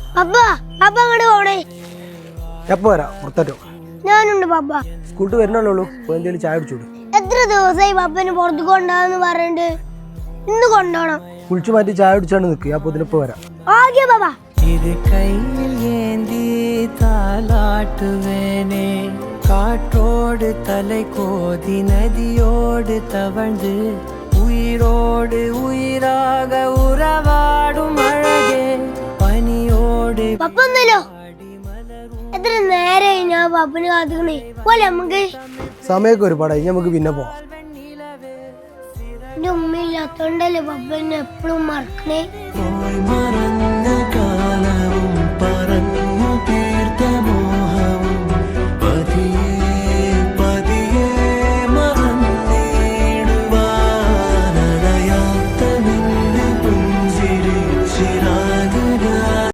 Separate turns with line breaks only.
പപ്പ പപ്പ അങ്ങോട്ട് പോണേ.
എപ്പോ വരാം? പുറത്തോട്ടോ?
ഞാനുണ്ട് പപ്പ.
സ്കൂളിൽ വരുന്നുള്ളൂ. എന്തെങ്കിലും ചായ കുടിച്ചോളൂ.
എത്ര ദിവസമായി പപ്പന് പുറത്ത് കൊണ്ടാന്ന് പറഞ്ഞിട്ട്? ഇന്ന് കൊണ്ടോണം.
കുളിച്ചു മാറ്റി ചായ കുടിച്ചാണ് നിൽക്കുക. അപ്പൊ ഇതിനിപ്പോ വരാം.
Okay papa.
ഇത് കയ്യിൽ ഏന്തി താലാട്ടുവേനേ, കാറ്റോട് തலை கோதி நதியோடு தவழ்ந்து உயிரோடு உயிராக உறவாடும் அழகே பனியோடு.
പപ്പ ഒന്നല്ലോ. എത്ര നേരമായി ഞാൻ പപ്പന് കാത്തുക്കണേ. പോലെ നമുക്ക്
സമയമൊക്കെ ഒരുപാടായി. നമുക്ക് പിന്നെ പോവാം.
എന്റെ ഉമ്മയില്ലാത്തോണ്ടല്ലേ പപ്പ എന്നെ എപ്പോഴും മറക്കണേ.